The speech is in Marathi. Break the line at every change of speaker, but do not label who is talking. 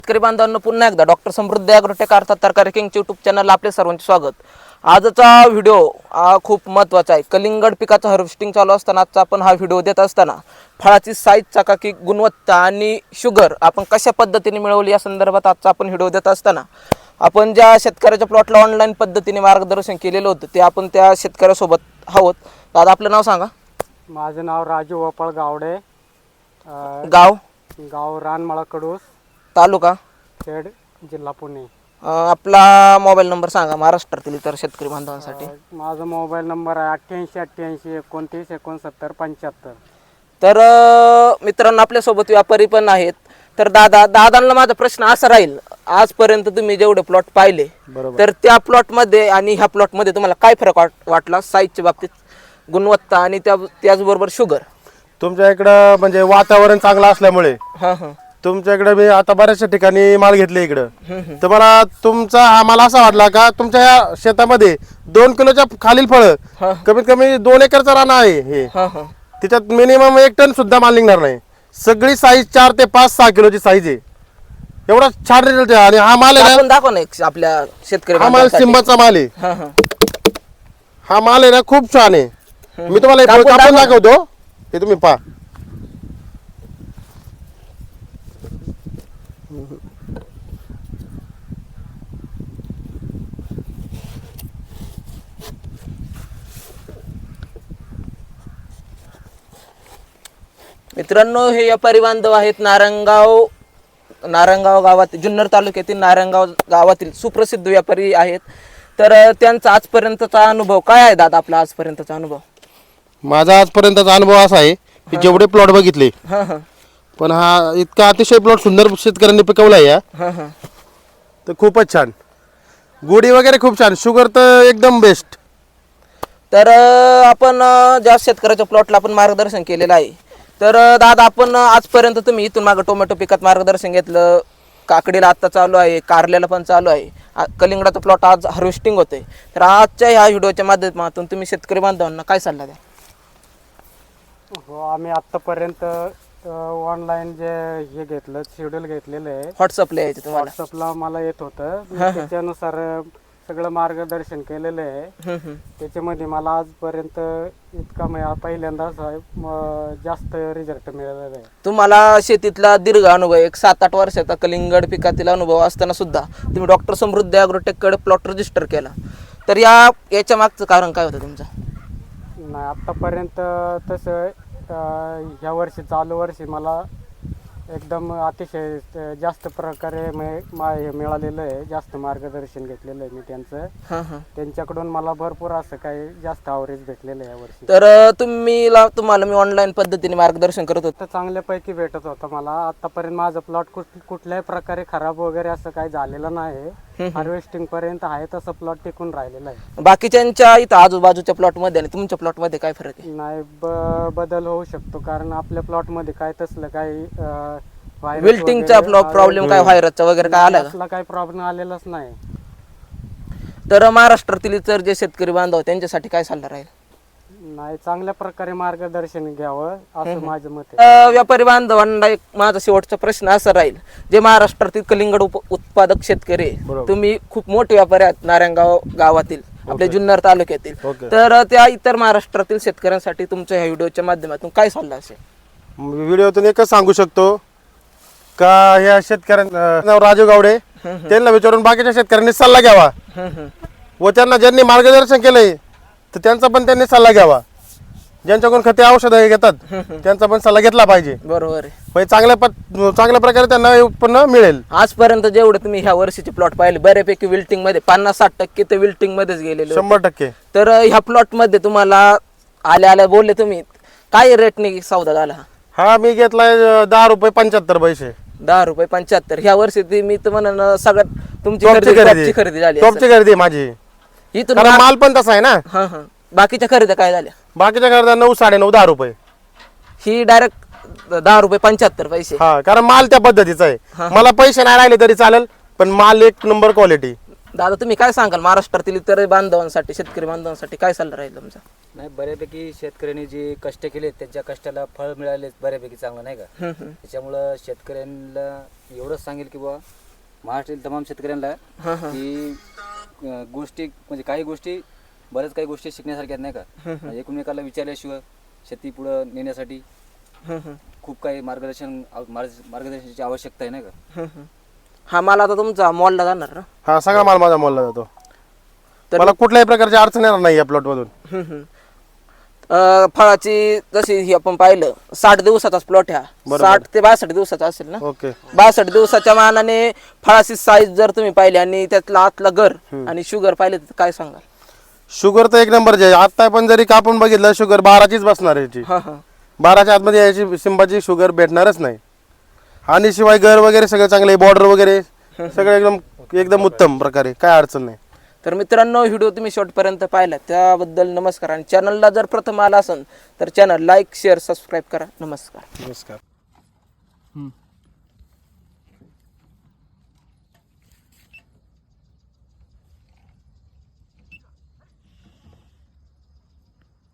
शेतकरी बांधवांनो पुन्हा एकदा डॉक्टर समृद्धी ॲग्रोटेक अर्थात तरकारी किंगचे यूट्यूब चॅनलला आपले सर्वांचे स्वागत. आजचा व्हिडिओ खूप महत्त्वाचा आहे. कलिंगड पिकाचं हार्वेस्टिंग चालू असताना आजचा आपण हा व्हिडिओ देत असताना फळाची साईज, चकाकी, गुणवत्ता आणि शुगर आपण कशा पद्धतीने मिळवली या संदर्भात आजचा आपण व्हिडिओ देत असताना आपण ज्या शेतकऱ्याच्या प्लॉटला ऑनलाईन पद्धतीने मार्गदर्शन केलेलं होतं ते आपण त्या शेतकऱ्यासोबत आहोत. दादा आपलं नाव सांगा.
माझं नाव राजू वपळ गावडे, गाव रानमळा कडूस,
तालुका
खेड, जिल्हा पुणे.
आपला मोबाईल नंबर सांगा महाराष्ट्रातील इतर शेतकरी बांधवांसाठी.
माझा मोबाईल नंबर आहे 88 88 29 69 75.
तर मित्रांनो आपल्यासोबत व्यापारी पण आहेत. तर दादांना माझा प्रश्न असा राहील, आजपर्यंत तुम्ही जेवढे प्लॉट पाहिले तर त्या प्लॉटमध्ये आणि ह्या प्लॉटमध्ये तुम्हाला काय फरक वाटला साईजच्या बाबतीत, गुणवत्ता आणि त्याचबरोबर शुगर?
तुमच्या इकडं म्हणजे वातावरण चांगलं असल्यामुळे
हां हां
तुमच्या इकडे मी आता बऱ्याचशा ठिकाणी माल घेतले इकडं, तर मला तुमचा आम्हाला असा वाटला का तुमच्या या शेतामध्ये 2 किलोच्या खालील फळं कमीत कमी 2 एकरचा रान आहे हे, त्याच्यात मिनिमम 1 टन सुद्धा माल निघणार नाही. सगळी साईज 4 ते 5-6 किलोची साईज आहे. एवढा छान रिझल्ट आहे. आणि हा माल आहे
आपण दाखव ना आपल्या शेतकरी
हा माल सिंबाचा माल आहे. हा माल आहे ना खूप छान आहे. मी तुम्हाला कापून दाखवतो, हे तुम्ही पहा.
मित्रांनो हे व्यापारी बांधव आहेत नारायणगाव गावातील, जुन्नर तालुक्यातील नारायणगाव गावातील सुप्रसिद्ध व्यापारी आहेत. तर त्यांचा आजपर्यंतचा अनुभव काय आहे दादा? आपला आजपर्यंतचा अनुभव?
माझा आजपर्यंतचा अनुभव असा आहे की जेवढे प्लॉट बघितले पण हा इतका अतिशय प्लॉट सुंदर शेतकऱ्यांनी पिकवला आहे तर खूपच छान. गोडी वगैरे खूप छान, शुगर तर एकदम बेस्ट.
तर आपण ज्या शेतकऱ्याच्या प्लॉटला आपण मार्गदर्शन केलेलं आहे, तर दादा आपण आजपर्यंत तुम्ही इथून मागं टोमॅटो पिकात मार्गदर्शन घेतलं, काकडीला आत्ता चालू आहे, कारल्याला पण चालू आहे, कलिंगडाचा प्लॉट आज हार्वेस्टिंग होतोय. तर आजच्या ह्या व्हिडिओच्या माध्यमातून तुम्ही शेतकरी बांधवांना काय सल्ला द्या?
हो, आम्ही आत्तापर्यंत ऑनलाईन जे हे घेतलं, शेड्यूल घेतलेलं आहे,
व्हॉट्सअपला यायचं तुम्हाला?
व्हॉट्सअपला मला येत होतं, त्याच्यानुसार सगळं मार्गदर्शन केलेलं आहे. त्याच्यामध्ये मला आजपर्यंत इतका पहिल्यांदा जास्त रिझल्ट मिळालेला आहे.
तुम्हाला शेतीतला दीर्घ अनुभव, एक 7-8 वर्षाचा कलिंगड पिकातील अनुभव असताना सुद्धा तुम्ही डॉक्टर समृद्धी ॲग्रोटेककडे प्लॉट रजिस्टर केला, तर याच्या मागचं कारण काय होतं तुमचं?
नाही, आत्तापर्यंत तसं ह्या वर्षी चालू वर्षी मला एकदम अतिशय जास्त प्रकारे मिळालेलं आहे. जास्त मार्गदर्शन घेतलेलं आहे मी त्यांचं. त्यांच्याकडून मला भरपूर असं काही जास्त ॲव्हरेज भेटलेलं आहे यावर्षी.
तर तुम्हाला मी ऑनलाईन पद्धतीने मार्गदर्शन करत होतो,
चांगल्यापैकी भेटत होतं मला. आतापर्यंत माझं प्लॉट कुठल्याही प्रकारे खराब वगैरे असं काही झालेलं नाही. हार्वेस्टिंग पर्यंत आहे तसं प्लॉट टिकून राहिलेला आहे.
बाकीच्यांच्या इथं आजूबाजूच्या प्लॉट मध्ये आणि तुमच्या प्लॉट मध्ये काय फरक आहे?
नाही, बदल होऊ शकतो, कारण आपल्या प्लॉट मध्ये काय तसलं काही
विल्टिंगचा प्रॉब्लेम काय, व्हायरसचा वगैरे काय आला का?
काही प्रॉब्लेम आलेलाच नाही.
तर महाराष्ट्रातील इतर जे शेतकरी बांधव त्यांच्यासाठी काय सल्ला राहील?
नाही, चांगल्या प्रकारे मार्गदर्शन घ्यावं असं माझं मत आहे.
व्यापारी बांधवांना एक माझा शेवटचा प्रश्न असा राहील, जे महाराष्ट्रातील कलिंगड उत्पादक शेतकरी, तुम्ही खूप मोठे व्यापारी आहात नारायणगाव गावातील, आपल्या जुन्नर तालुक्यातील, तर त्या इतर महाराष्ट्रातील शेतकऱ्यांसाठी तुमच्या ह्या व्हिडिओच्या माध्यमातून काय सल्ला असेल?
व्हिडिओतून एकच सांगू शकतो का ह्या शेतकऱ्यांना राजू गावडे त्यांना विचारून बाकीच्या शेतकऱ्यांनी सल्ला घ्यावा व त्यांना ज्यांनी मार्गदर्शन केलंय तर त्यांचा पण त्यांनी सल्ला घ्यावा. ज्यांच्याकडून खते औषधं घेतात त्यांचा पण सल्ला घेतला पाहिजे.
बरोबर आहे.
चांगल्या प्रकारे त्यांना उत्पन्न मिळेल.
आजपर्यंत जेवढे तुम्ही ह्या वर्षीचे प्लॉट पाहिले बऱ्यापैकी विल्टिंग मध्ये 50-60% ते विल्टिंग मध्येच गेलेले,
100%.
तर ह्या प्लॉट मध्ये तुम्हाला आल्या बोलले तुम्ही काय रेटने सौदा झाला?
हा मी घेतलाय 10 रुपये 75 पैसे.
10 रुपये 75. ह्या वर्षी मी तर म्हणून सगळ्यात तुमची खरेदी झाली.
टॉपची खरेदी माझी,
इथून
माल पण तसा आहे ना.
बाकीच्या खरेदी काय झाल्या?
बाकीच्या खरेदी 9, 9.5, 10 रुपये.
ही डायरेक्ट 10 रुपये 75 पैसे.
हा, कारण माल त्या पद्धतीचा आहे. मला पैसे नाही राहिले तरी चालेल, पण माल 1 नंबर क्वालिटी.
दादा तुम्ही काय सांगाल महाराष्ट्रातील इतर बांधवांसाठी, शेतकरी बांधवांसाठी काय सल्ला राहील तुमचा?
नाही, बऱ्यापैकी शेतकऱ्यांनी जे कष्ट केले त्यांच्या कष्टाला फळ मिळाले बऱ्यापैकी चांगलं, नाही का? त्याच्यामुळं शेतकऱ्यांना एवढंच सांगेल की बुवा महाराष्ट्रातील तमाम शेतकऱ्यांना की गोष्टी म्हणजे काही गोष्टी बऱ्याच काही गोष्टी शिकण्यासारख्या आहेत, नाही का. म्हणजे एकमेकाला विचारल्याशिवाय शेती पुढं नेण्यासाठी खूप काही मार्गदर्शनाची आवश्यकता आहे, नाही का.
हा माल आता तुमचा मॉलला जाणार ना.
हा सगळा माल माझा मॉलला जातो. मला कुठल्याही प्रकारची अडचण येणार नाही या प्लॉट मधून.
फळाची जशी ही आपण पाहिलं 60 दिवसाचाच प्लॉट ह्या 60 ते 62 दिवसाचा असेल ना.
ओके.
62 दिवसाच्या मानाने फळाची साईज जर तुम्ही पाहिली आणि त्यातला आतला गर आणि शुगर पाहिले तर काय सांगाल?
शुगर तर एक नंबरची आहे. आता पण जरी कापून बघितलं शुगर 12चीच बसणार आहे याची. 12च्या आतमध्ये याची सिंबाची शुगर भेटणारच नाही. आणि शिवाय घर वगैरे सगळं चांगलं आहे, बॉर्डर वगैरे सगळं एकदम एकदम उत्तम प्रकारे, काय अडचण नाही.
तर मित्रांनो, व्हिडिओ तुम्ही शेवटपर्यंत पाहिला त्याबद्दल नमस्कार. आणि चॅनलला जर प्रथम आला असेल तर चॅनल लाईक शेअर सबस्क्राईब करा. नमस्कार.
नमस्कार.